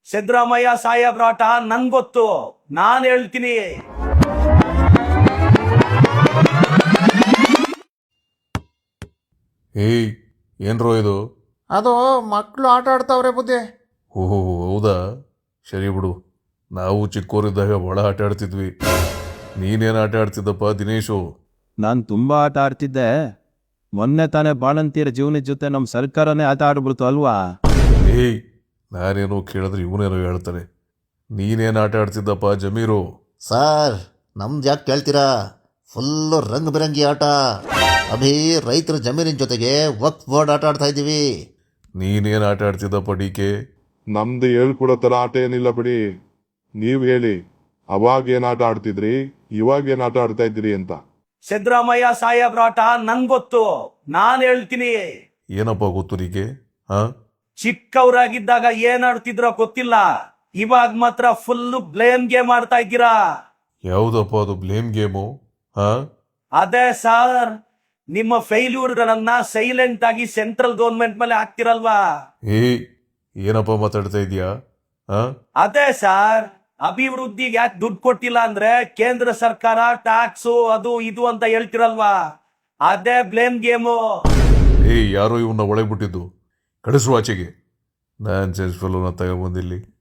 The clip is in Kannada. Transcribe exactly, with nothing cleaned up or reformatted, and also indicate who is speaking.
Speaker 1: ಸಿದ್ದರಾಮಯ್ಯ ಸಾಹೇಬ್ರ ಆಟ ನನ್ ಗೊತ್ತು, ನಾನ್ ಹೇಳ್ತೀನಿ.
Speaker 2: ಏಯ್ ಏನ್ರೋ ಇದು?
Speaker 3: ಅದು ಮಕ್ಕಳು ಆಟ ಆಡ್ತಾವ್ರೆ ಬುದ್ಧಿ.
Speaker 2: ಓಹೋ ಹೌದಾ, ಸರಿ ಬಿಡು. ನಾವು ಚಿಕ್ಕೋರಿದ್ದಾಗ ಒಳ ಆಟ ಆಡ್ತಿದ್ವಿ. ನೀನೇನು ಆಟ ಆಡ್ತಿದ್ದಪ್ಪ ದಿನೇಶು?
Speaker 4: ನಾನು ತುಂಬ ಆಟ ಆಡ್ತಿದ್ದೆ. ಮೊನ್ನೆ ತಾನೇ ಬಾಣಂತಿಯರ ಜೀವನದ ಜೊತೆ ನಮ್ಮ ಸರ್ಕಾರನೇ ಆಟ ಆಡ್ಬಿಡ್ತು ಅಲ್ವಾ?
Speaker 2: ಏಯ್ ನಾನೇನೋ ಕೇಳಿದ್ರೆ ಇವನೇನೋ ಹೇಳ್ತಾರೆ. ನೀನೇನು ಆಟ ಆಡ್ತಿದ್ದಪ್ಪ ಜಮೀರು?
Speaker 5: ಸರ್ ನಮ್ದು ಯಾಕೆ ಕೇಳ್ತೀರಾ, ಫುಲ್ಲು ರಂಗ್ ಬಿರಂಗಿ ಆಟ. ಅಭಿ ರೈತರ ಜಮೀನಿನ ಜೊತೆಗೆ ವಕ್ಫ್ ಬೋರ್ಡ್ ಆಟ ಆಡ್ತಾ ಇದ್ದೀವಿ.
Speaker 2: ನೀನೇನು ಆಟ ಆಡ್ತಿದ್ದಪ್ಪ ಡಿ ಕೆ?
Speaker 6: ನಮ್ದು ಹೇಳ್ಕೊಡೋ ಥರ ಆಟ ಏನಿಲ್ಲ ಬಿಡಿ. ನೀವು ಹೇಳಿ, ಅವಾಗ ಏನು ಆಟ ಆಡ್ತಿದ್ರಿ, ಇವಾಗ ಏನು ಆಟ ಆಡ್ತಾ ಇದ್ದೀರಿ ಅಂತ.
Speaker 1: ಸಿದ್ದರಾಮಯ್ಯ ಸಾಹೇಬ್ರ ಆಟ ನನ್ ಗೊತ್ತು, ನಾನ್ ಹೇಳ್ತೀನಿ.
Speaker 2: ಏನಪ್ಪ ಗೊತ್ತು ಡಿ ಕೆ? ಹಾ,
Speaker 1: ಚಿಕ್ಕವರಾಗಿದ್ದಾಗ ಏನ್ ಆಡ್ತಿದ್ರೋ ಗೊತ್ತಿಲ್ಲ, ಇವಾಗ ಮಾತ್ರ ಫುಲ್ ಬ್ಲೇಮ್ ಗೇಮ್ ಆಡ್ತಾ ಇದ್ದೀರಾ.
Speaker 2: ಯಾವುದಪ್ಪ ಅದು ಬ್ಲೇಮ್ ಗೇಮು? ಹಾ,
Speaker 1: ಅದೇ ಸರ್, ನಿಮ್ಮ ಫೇಲ್ಯೂರ್ಗಳನ್ನ ಸೈಲೆಂಟ್ ಆಗಿ ಸೆಂಟ್ರಲ್ ಗೌರ್ಮೆಂಟ್ ಮೇಲೆ ಹಾಕ್ತಿರಲ್ವಾ?
Speaker 2: ಏಯ್ ಏನಪ್ಪ ಮಾತಾಡ್ತಾ ಇದೀಯಾ? ಹಾ,
Speaker 1: ಅದೇ ಸರ್, ಅಭಿವೃದ್ಧಿಗೆ ಯಾಕೆ ದುಡ್ಡು ಕೊಟ್ಟಿಲ್ಲ ಅಂದ್ರೆ ಕೇಂದ್ರ ಸರ್ಕಾರ ಟ್ಯಾಕ್ಸು ಅದು ಇದು ಅಂತ ಹೇಳ್ತಿರಲ್ವಾ, ಅದೇ ಬ್ಲೇಮ್ ಗೇಮು.
Speaker 2: ಏಯ್ ಯಾರೋ ಇವನ್ನ ಒಳಗೆ ಬಿಟ್ಟಿದ್ದು, ಕಳಿಸುವ ಆಚೆಗೆ. ನಾನು ಸೆನ್ಸ್ ಫೆಲೋನ ತಗೊಂಬಂದಿಲ್ಲಿ.